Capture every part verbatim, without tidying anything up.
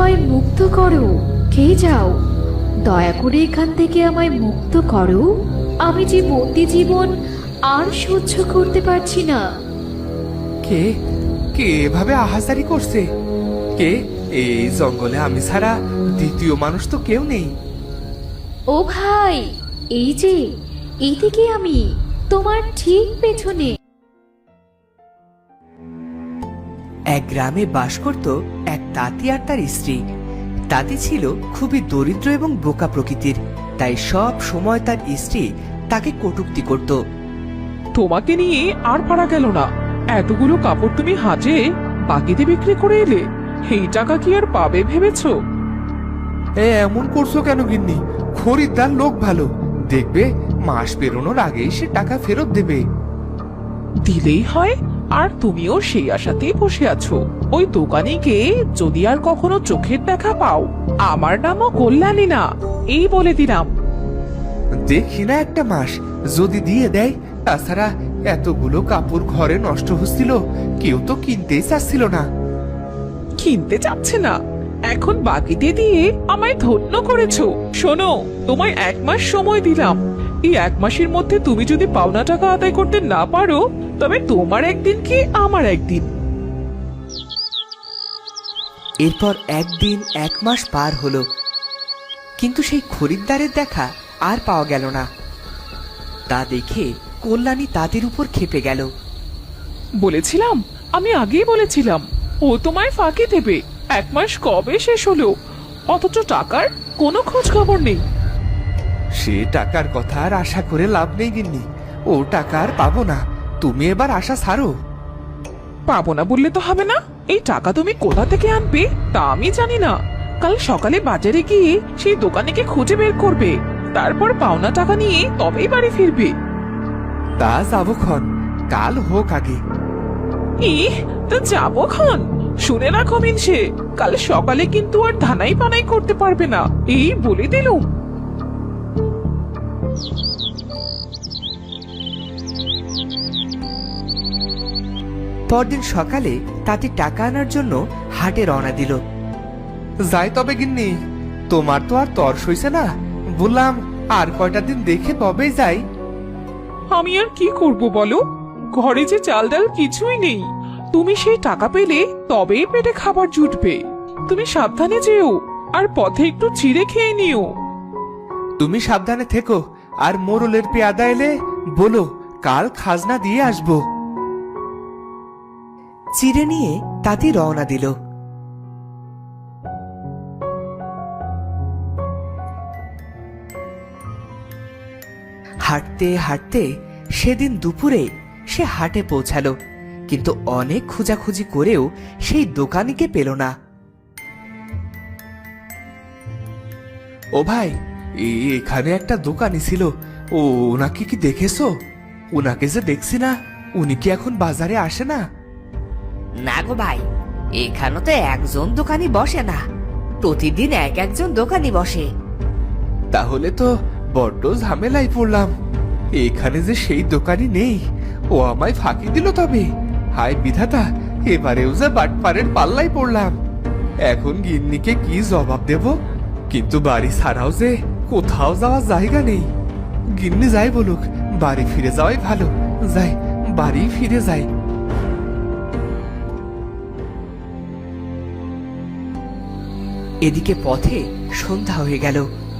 আমায় মুক্ত করো, কে যাও, দয়া করে এখান থেকে আমায় মুক্ত করো। আমি যে বন্দি জীবন আর সহ্য করতে পারছি না। কে কে এভাবে আহাজারি করছে? কে? এই জঙ্গলে আমি ছাড়া দ্বিতীয় মানুষ তো কেউ নেই। ও ভাই, এই যে এইদিকে আমি, তোমার ঠিক পেছনে। এক গ্রামে বাস করত এক তাঁতি আর তার স্ত্রী। তাঁতি ছিল খুবই দরিদ্র এবং বোকা প্রকৃতির, তাই সব সময় তার স্ত্রী তাকে কটূক্তি করত। তোমাকে নিয়ে আর পারা গেল না। এতগুলো কাপড় তুমি হাটে বাকিতে বিক্রি করে এলে, এই টাকা কি আর পাবে ভেবেছো? এ এমন করছো কেন গিন্নি? খরিদ্দার লোক ভালো, দেখবে মাস পেরোনোর আগেই সে টাকা ফেরত দেবে। দিলেই হয়, আর তুমিও সেই আশাতেই বসে আছো। ওই দোকানিকে যদি আর কখনো চোখের দেখা পাও, আমার নামও কল্যাণী না, এই বলে দিলাম। দেখি না একটা মাস যদি দিয়ে দেয়। তাছাড়া এতগুলো কাপড় ঘরে নষ্ট হচ্ছিল, কেউ তো কিনতেই চাচ্ছিল না। কিনতে চাচ্ছে না, এখন বাকিতে দিয়ে আমায় ধন্য করেছো। শোনো, তোমায় এক মাস সময় দিলাম। এই এক মাসের মধ্যে তুমি যদি পাওনা টাকা আদায় করতে না পারো, তবে তোমার একদিন কি আমার একদিন। এরপর একদিন এক মাস পার হলো, কিন্তু সেই খরিদ্দারের দেখা আর পাওয়া গেল না। তা দেখে কল্যাণী তাদের উপর ক্ষেপে গেল। বলেছিলাম, আমি আগেই বলেছিলাম ও তোমায় ফাঁকি দেবে। এক মাস কবে শেষ হলো, অথচ টাকার কোনো খোঁজ খবর নেই। সে টাকার কথা আর আশা করে লাভ নেই গিন্নি, ও টাকা আর পাবো না। তুমি এবার আশা ছাড়ো। পাবো না বললে তো হবে না। এই টাকা তুমি কোথা থেকে আনবে তা আমি জানি না। কাল সকালে বাজারে গিয়ে সেই দোকানিকে খুঁজে বের করবে, তারপর পাওনা টাকা নিয়ে তবেই বাড়ি ফিরবে। তা যাবো ক্ষণ, কাল হোক আগে। ইহ, তা যাবো ক্ষণ? শুনে রাখো মিনসে, কাল সকালে কিন্তু আর ধানাই পানাই করতে পারবে না, এই বলে দিলুম। পরদিন সকালে তাঁতি টাকা আনার জন্য হাটে রওনা দিল। যাই তবে গিন্নি, তোমার তো আর তর সইছে না। বললাম আর কয়টা দিন দেখে তবেই যাই। আমি আর কি করব বলো, ঘরে যে চাল ডাল কিছুই নেই। তুমি সেই টাকা পেলে তবেই পেটে খাবার জুটবে। তুমি সাবধানে যেও, আর পথে একটু চিড়ে খেয়ে নিও। তুমি সাবধানে থেকো, আর মোরলের পেয়াদা এলে বলো কাল খাজনা দিয়ে আসবো। চিড়ে নিয়ে তাঁতি রওনা দিল। হাঁটতে হাঁটতে সেদিন দুপুরে সে হাটে পৌঁছালো, কিন্তু অনেক খোঁজাখুঁজি করেও সেই দোকানিকে পেল না। ও ভাই, এ- এখানে একটা দোকানি ছিল, ও ওনাকে কি দেখেছো? ওনাকে যে দেখছি না, উনি কি এখন বাজারে আসে না? না গো ভাই, এখানে তো একজন দোকানি বসে না, প্রতিদিন এক একজন দোকানি বসে। তাহলে তো বড্ড ঝামেলায় পড়লাম। এখানে যে সেই দোকানি নেই, ও আমায় ফাঁকি দিল তবে। হায় বিধাতা, এবারেও যে বাটপারের পাল্লায় পড়লাম। এখন গিন্নিকে কি জবাব দেব? কিন্তু বাড়ি ছাড়াও যে কোথাও যাওয়ার জায়গা নেই। গিন্নি যাই বলুক, বাড়ি ফিরে যাওয়াই ভালো। যাই, বাড়ি ফিরে যাই। এদিকে পথে সন্ধ্যা হয়ে গেল।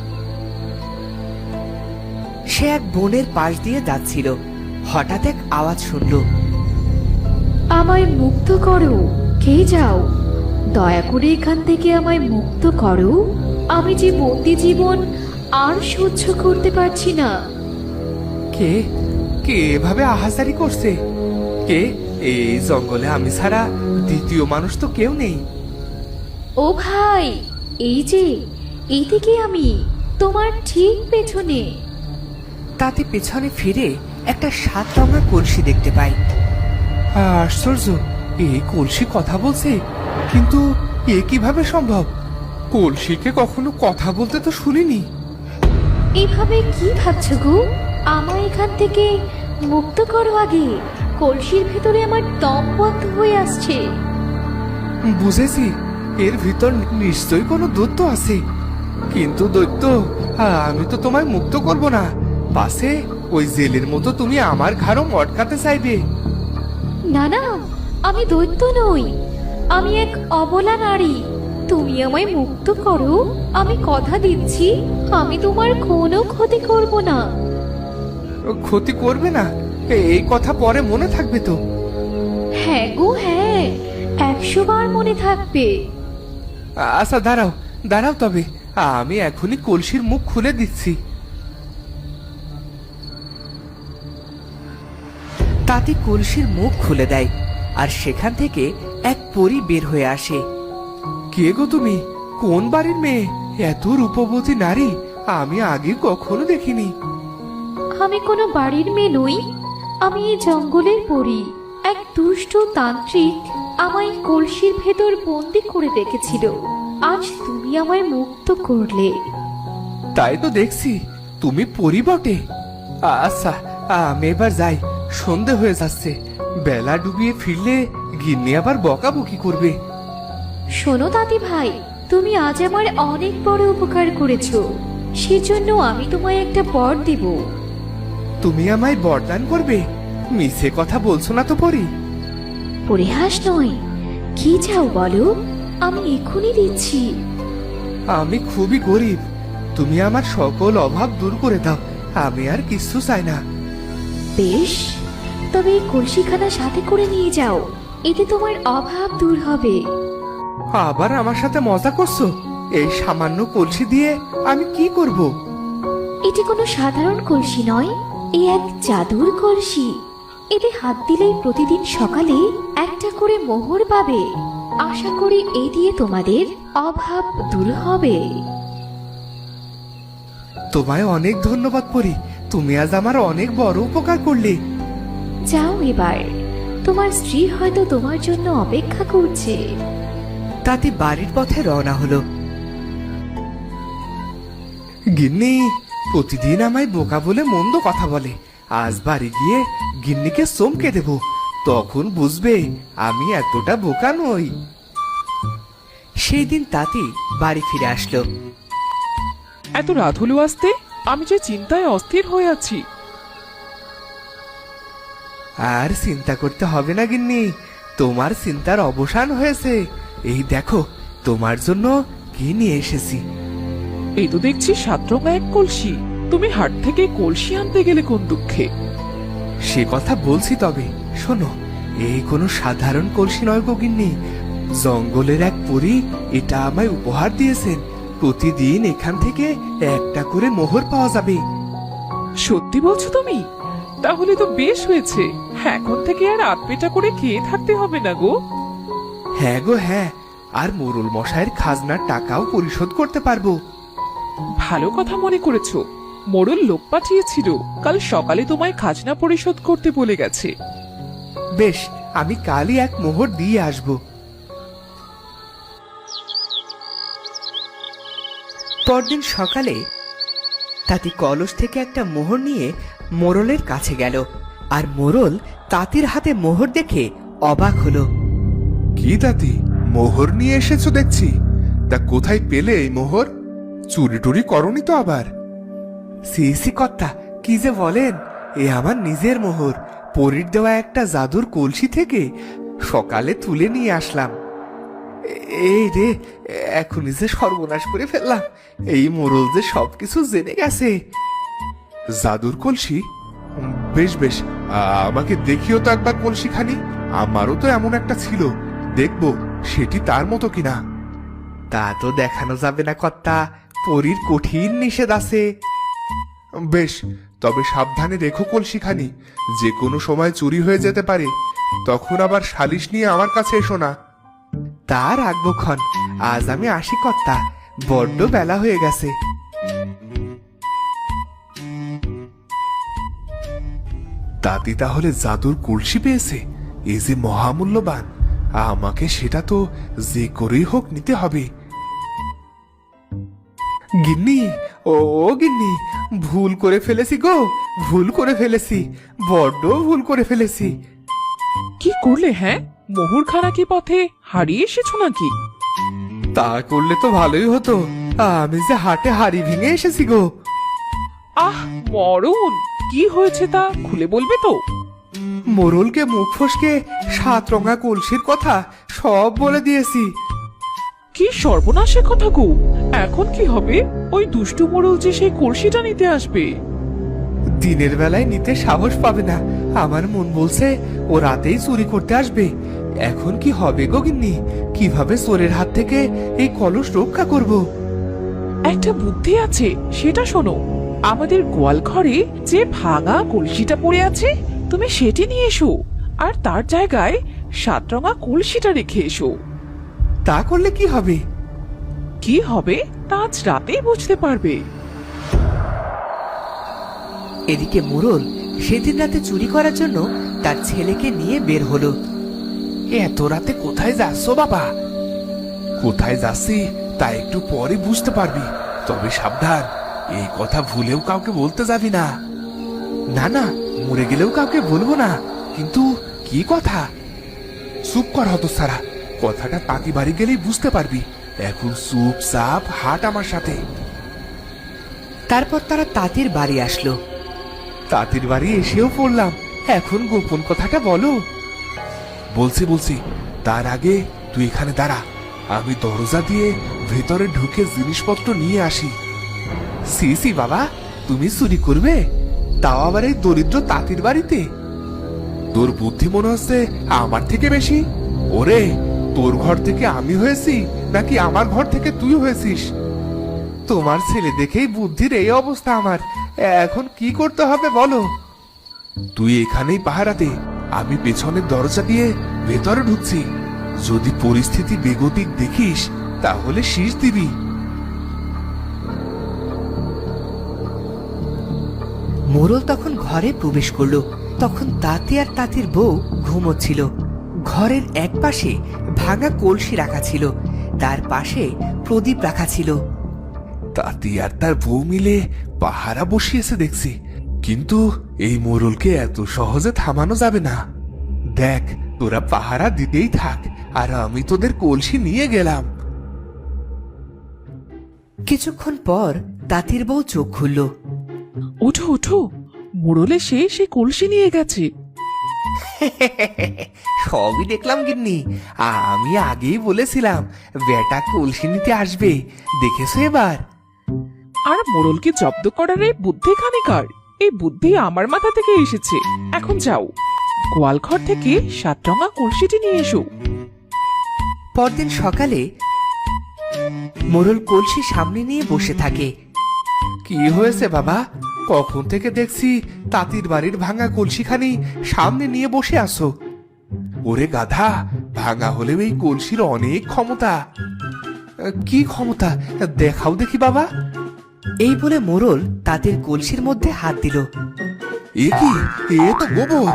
সে এক বনের পাশ দিয়ে যাচ্ছিল, হঠাৎ এক আওয়াজ শুনল। আমায় মুক্ত করো, কে যাও, দয়া করে এখান থেকে আমায় মুক্ত করো। আমি যে বন্দি জীবন আর সহ্য করতে পারছি না। কে কে এভাবে আহাজারি করছে? কে? এই জঙ্গলে আমি ছাড়া দ্বিতীয় মানুষ তো কেউ নেই। ও ভাই, এই যে এইদিকে আমি, তোমার ঠিক পেছনে। তাতে পেছনে ফিরে একটা সাত রঙা কলসি দেখতে পায়। আশ্চর্য, এই কলসি কথা বলছে, কিন্তু এ কিভাবে সম্ভব? কলসিকে কখনো কথা বলতে তো শুনিনি। এভাবে কি ভাবছো গো? আমায় এখান থেকে মুক্ত করো আগে, কলসির ভেতরে আমার দম বন্ধ হয়ে আসছে। বুঝেছি, এর ভিতর নিশ্চয়ই কোনো দৈত্য আছে। কিন্তু দৈত্য, আমি তো তোমায় মুক্ত করব না, পাশে ওই জেলের মতো তুমি আমার ঘাড়ও মটকাতে চাইবে। না না, আমি দৈত্য নই, আমি এক অবলা নারী। তুমি আমায় মুক্ত করো, আমি কথা দিচ্ছি আমি তোমার কোনো ক্ষতি করব না। ক্ষতি করবে না, এই কথা পরে মনে থাকবে তো? হ্যাঁ গো হ্যাঁ, একশো বার মনে থাকবে। আচ্ছা দাঁড়াও দাঁড়াও, তবে আমি এখনই কলসির মুখ খুলে দিচ্ছি। তাতে কলসির মুখ খুলে দেয় আর সেখান থেকে এক পরী বের হয়ে আসে। কে গো তুমি? কোন বাড়ির মেয়ে? এত রূপবতী নারী আমি আগে কখনো দেখিনি। আমি কোনো বাড়ির মেয়ে নই, আমি এই জঙ্গলের পরী। এক দুষ্ট তান্ত্রিক আমায় কলসির ভেতর বন্দি করে রেখেছিল, আজ তুমি আমায় মুক্ত করলে। তাই তো দেখছি, তুমি পরি বটে। আচ্ছা, আমি এবার যাই, সন্ধে হয়ে যাচ্ছে। বেলা ডুবিয়ে ফিরলে গিন্নি আবার বকাবকি করবে। শোনো দাদি ভাই, তুমি আজ আমার অনেক বড় উপকার করেছো, সেজন্য আমি তোমায় একটা বর দেব। তুমি আমায় বরদান করবে? মিছে কথা বলছো না তো পরি? পরিহাস নয়, কি চাও বলো, আমি এখনই দিচ্ছি। আমি খুবই গরিব, তুমি আমার সকল অভাব দূর করে দাও, আমি আর কিছু চাই না। বেশ, তবে এই কলসিখানা সাথে করে নিয়ে যাও, এতে তোমার অভাব দূর হবে। আবার আমার সাথে মজা করছো? এই সামান্য কলসি দিয়ে আমি কি করব? এটি কোনো সাধারণ কলসি নয়, এ এক জাদুর কলসি। এতে হাত দিলেই প্রতিদিন সকালে একটা করে মোহর পাবে। আশা করি এই দিয়ে তোমাদের অভাব দূর হবে। তোমায় অনেক ধন্যবাদ পরি, তুমি আজ আমার অনেক বড় উপকার করলে। যাও এবার, তোমার স্ত্রী হয়তো তোমার জন্য অপেক্ষা করছে। তাতে বাড়ির পথে রওনা হলো। গিন্নি প্রতিদিন আমায় বোকা বলে মন্দ কথা বলে, আজ বাড়ি গিয়ে গিন্নিকে চমকে দেব, তখন বুঝবে আমি এতটা বোকা নই। সেই দিন তাঁতি বাড়ি ফিরে আসলো। এত রাত হলো আসতে, আমি যে চিন্তায় অস্থির হয়ে আছি। আর চিন্তা করতে হবে না গিন্নি, তোমার চিন্তার অবসান হয়েছে। এই দেখো তোমার জন্য কি নিয়ে এসেছি। এই তো দেখছি সাতরঙা এক কলসি। তুমি হাট থেকে কলসি আনতে গেলে কোন দুঃখে? সে কথা বলছি, তবে শোনো, এই কোনো সাধারণ কলসি নয় গো গিন্নি, জঙ্গলের এক পরী এটা আমায় উপহার দিয়েছেন। প্রতিদিন এখান থেকে একটা করে মোহর পাওয়া যাবে। সত্যি বলছো তুমি? তাহলে তো বেশ হয়েছে, এখন থেকে আর আধপেটা করে খেয়ে থাকতে হবে না গো। হ্যাঁ গো হ্যাঁ, আর মোরল মশাইয়ের খাজনার টাকাও পরিশোধ করতে পারবো। ভালো কথা মনে করেছো। মোড়ল লোক পাঠিয়েছিল, কাল সকালে তোমায় খাজনা পরিশোধ করতে বলে গেছে। বেশ, আমি কালই এক মোহর দিয়ে আসবো। পরদিন সকালে তাঁতি কলস থেকে একটা মোহর নিয়ে মোরলের কাছে গেল, আর মোরল তাঁতির হাতে মোহর দেখে অবাক হলো। কি দাদি, মোহর নিয়ে এসেছো দেখছি, তা কোথায় পেলে এই মোহর? চুরি টুরি করনি তো আবার? সি সি কর্তা, কি যে বলেন, এ আমার নিজের মোহর, পরীর দেওয়া একটা জাদুর কলসি থেকে সকালে তুলে নিয়ে আসলাম। এই রে, এখনই যে সর্বনাশ করে ফেললাম, এই মোরল যে সবকিছু জেনে গেছে। জাদুর কলসি? বেশ বেশ, আমাকে দেখিও তো একবার কলসিখানি, আমারও তো এমন একটা ছিল, দেখবো সেটি তার মতো কিনা। তা তো দেখানো যাবে না কর্তা, পরীর কঠিন নিষেধ আছে। বেশ, তবে সাবধানে রেখো কলসিখানি, যে কোনো সময় চুরি হয়ে যেতে পারে, তখন আবার সালিশ নিয়ে আমার কাছে এসো না। তা রাখবো ক্ষণ, আজ আমি আসি কর্তা, বড্ড বেলা হয়ে গেছে। দাদি তাহলে জাদুর কলসি পেয়েছে, এই যে মহামূল্যবান, আমাকে সেটা তো যে করেই হোক নিতে হবে। গিন্নি, ও গিন্নি, ভুল করে ফেলেছি গো, ভুল করে ফেলেছি, বড্ড ভুল করে ফেলেছি। কি করলে হ্যাঁ? মোহরখানা কি পথে হারিয়ে এসেছো নাকি? তা করলে তো ভালোই হতো। আমি যে হাটে হাড়ি ভেঙে এসেছি গো। আহ মরণ, কি হয়েছে তা খুলে বলবে তো? মোরলকে মুখ ফসকে সাত রঙা কলসির কথা সব বলে দিয়েছি। কি সর্বনাশের কথা গো! এখন কি হবে? ওই দুষ্টু মোড়ল যে সেই কলসিটা নিতে আসবে। দিনের বেলায় নিতে সাহস পাবে না। আমার মন বলছে ও রাতেই চুরি করতে আসবে। এখন কি হবে গো গিন্নি? কিভাবে চোরের হাত থেকে এই কলস রক্ষা করব? একটা বুদ্ধি আছে, সেটা শোনো। আমাদের গোয়াল ঘরে যে ভাঙা কলসিটা পড়ে আছে, তুমি সেটি নিয়ে এসো, আর তার জায়গায় সাতরঙা কলসিটা রেখে এসো। তা করলে কি হবে? কি হবে তা আজ রাতেই বুঝতে পারবে। এদিকে মোরল সেদিন রাতে চুরি করার জন্য তার ছেলেকে নিয়ে বের হলো। এত রাতে কোথায় যাচ্ছ বাবা? কোথায় যাচ্ছি তা একটু পরে বুঝতে পারবি। তবে সাবধান, এই কথা ভুলেও কাউকে বলতে যাবি না। না না, মরে গেলেও কাউকে বলবো না। কিন্তু কি কথা? চুপ কর হতচ্ছাড়া, কথাটা পাকি বাড়ি গেলেই বুঝতে পারবি। এখন চুপচাপ হাট আমার সাথে। তারপর তারা তাঁতির বাড়ি আসলো। তাঁতির বাড়ি এসেও পড়লাম। এখন গোপন কথাটা বলো। বলছি বলছি, তার আগে তুই এখানে দাঁড়া। আমি দরজা দিয়ে ভেতরে ঢুকে জিনিসপত্র নিয়ে আসি। সি সি বাবা, তুমি চুরি করবে? তাও আবার এই দরিদ্র তাঁতির বাড়িতে? তোর বুদ্ধি মনে হচ্ছে আমার থেকে বেশি। ওরে, তোর ঘর থেকে আমি হয়েছি নাকি আমার ঘর থেকে তুই হয়েছিস? তোমার ছেলে দেখেই বুদ্ধির এই অবস্থা আমার। এখন কি করতে হবে বলো? তুই এখানেই পাহারাতে, আমি পেছনের দরজা দিয়ে ভেতরে ঢুকছি। যদি পরিস্থিতি বেগতিক দেখিস তাহলে শীষ দিবি। মোরল তখন ঘরে প্রবেশ করলো। তখন তাঁতি আর তাঁতির বউ ঘুমোচ্ছিল। ঘরের এক পাশে ভাঙা কলসি রাখা ছিল, তার পাশে প্রদীপ রাখা ছিল। তাঁতি আর তার বউ মিলে পাহারা বসিয়েছে দেখছি। কিন্তু এই মোরলকে এত সহজে থামানো যাবে না। দেখ, তোরা পাহারা দিতেই থাক, আর আমি তোদের কলসি নিয়ে গেলাম। কিছুক্ষণ পর তাঁতির বউ চোখ খুলল। ওঠো ওঠো, মোড়লে সে সে কলসি নিয়ে গেছে। সবই দেখলাম গিন্নি। আমি আগেই বলেছিলাম বেটা কলসি নিতে আসবে। দেখেছো এবার? আর মোড়লকে জব্দ করার এই বুদ্ধি খানিকার? এই বুদ্ধি আমার মাথা থেকে এসেছে। এখন যাও, গোয়ালঘর থেকে সাতরঙা কলসিটি নিয়ে এসো। পরদিন সকালে মোরল কলসি সামনে নিয়ে বসে থাকে। কি হয়েছে বাবা? কখন থেকে দেখছি তাঁতির বাড়ির ভাঙা কলসিখানি সামনে নিয়ে বসে আছো। ওরে গাধা, ভাঙা হলেও এই কলসির অনেক ক্ষমতা। কি ক্ষমতা দেখাও দেখি বাবা। এই বলে মোরল তাঁতির কলসির মধ্যে হাত দিল। এ কি? এ তো গোবর।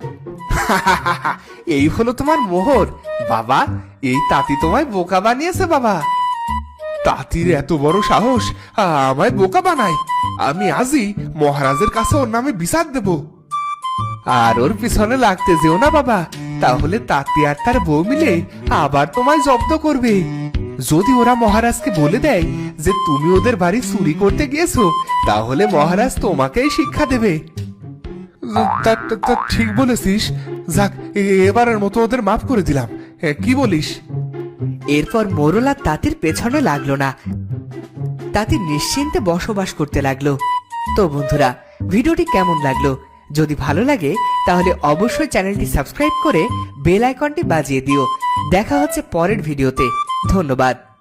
এই হলো তোমার মোহর বাবা। এই তাঁতি তোমায় বোকা বানিয়েছে বাবা। তাঁতির এত বড় সাহস আমায় বোকা বানায়। আমি আজই মহারাজের কাছে ওর নামে বিচার দেব। আর ওর পিছনে লাগতে যেও না বাবা, তাহলে তাঁতি আর তার বউ মিলে আবার তোমায় জব্দ করবে। যদি ওরা মহারাজকে বলে দেয় যে তুমি ওদের বাড়ি চুরি করতে গিয়েছো, তাহলে মহারাজ তোমাকেই শিক্ষা দেবে। তা- তা- তা ঠিক বলেছিস। যাক, এ- এবারের মতো ওদের মাফ করে দিলাম। এ, কি বলিস? এরপর মোরল আর তাঁতির পেছনে লাগলো না। তাঁতি নিশ্চিন্তে বসবাস করতে লাগলো। তো বন্ধুরা, ভিডিওটি কেমন লাগলো? যদি ভালো লাগে তাহলে অবশ্যই চ্যানেলটি সাবস্ক্রাইব করে বেল আইকনটি বাজিয়ে দিও। দেখা হচ্ছে পরের ভিডিওতে। ধন্যবাদ।